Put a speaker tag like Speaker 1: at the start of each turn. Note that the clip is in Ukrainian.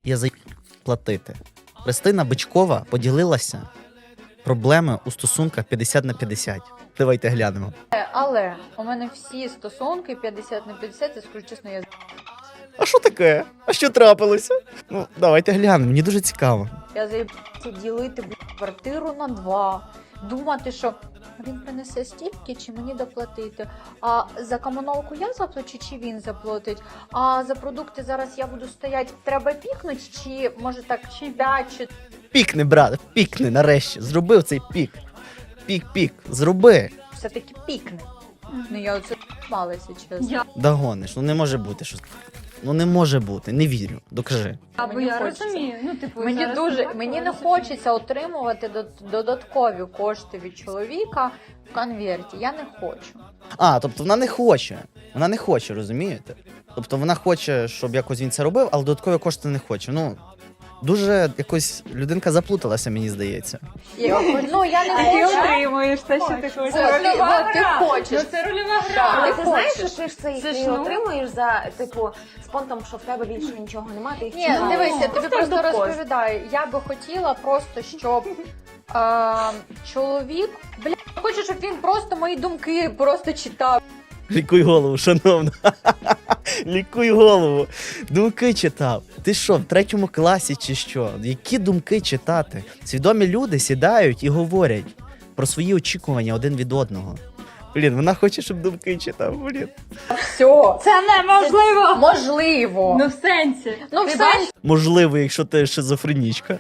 Speaker 1: я платити. Христина Бичкова поділилася проблеми у стосунках 50/50. Давайте глянемо.
Speaker 2: Але у мене всі стосунки 50/50, я скажу чесно, я
Speaker 1: А що таке? А що трапилося? Ну, давайте глянемо, мені дуже цікаво.
Speaker 2: заїбався ділити квартиру на 2. Думати, що він принесе стільки, чи мені доплатити. А за комуналку я заплачу, чи він заплатить. А за продукти зараз я буду стояти, треба пікнути, чи може так, чи 5, чи...
Speaker 1: Пікни, брат, пікни нарешті. Зробив цей пік. Пік, зроби.
Speaker 2: Все-таки пікне. Ну я оце малася, чесно.
Speaker 1: Догониш, ну не може бути щось. Ну не може бути, не вірю. Докажи.
Speaker 3: Або
Speaker 2: Мені
Speaker 3: я
Speaker 2: хочеться.
Speaker 3: розумію. Ну, типу,
Speaker 2: Мені
Speaker 3: зараз
Speaker 2: дуже,
Speaker 3: так,
Speaker 2: мені не
Speaker 3: але
Speaker 2: хочеться отримувати додаткові кошти від чоловіка в конверті. Я не хочу.
Speaker 1: А, тобто вона не хоче. Вона не хоче, розумієте? Тобто вона хоче, щоб якось він це робив, але додаткові кошти не хоче. Ну, дуже якось людинка заплуталася, мені здається.
Speaker 2: Ну я не
Speaker 3: А ти
Speaker 2: хочу.
Speaker 3: отримуєш те, що ти хочеш.
Speaker 2: Ти хочеш.
Speaker 3: Ну, це рольова
Speaker 2: Так.
Speaker 3: гра.
Speaker 4: Але
Speaker 2: Ти
Speaker 4: ти знаєш,
Speaker 2: хочеш.
Speaker 4: що ти ж це
Speaker 3: Це ж,
Speaker 4: ти
Speaker 3: ну.
Speaker 4: отримуєш за, типу, спонтом, що в тебе більше нічого немає, ти їх
Speaker 2: Ні,
Speaker 4: чекаєш.
Speaker 2: дивися, я тобі просто
Speaker 4: докос.
Speaker 2: розповідаю. Я би хотіла просто, щоб чоловік, хочу, щоб він просто мої думки просто читав.
Speaker 1: Лікуй голову, шановна. Лікуй голову. Думки читав. Ти що, в 3 класі чи що? Які думки читати? Свідомі люди сідають і говорять про свої очікування один від одного. Блін, вона хоче, щоб думки читав. Блін.
Speaker 2: Все.
Speaker 3: Це неможливо!
Speaker 2: Можливо.
Speaker 3: Ну, в сенсі.
Speaker 2: Ну,
Speaker 3: Ти
Speaker 2: все
Speaker 3: бачиш?
Speaker 1: Можливо, якщо ти шизофренічка.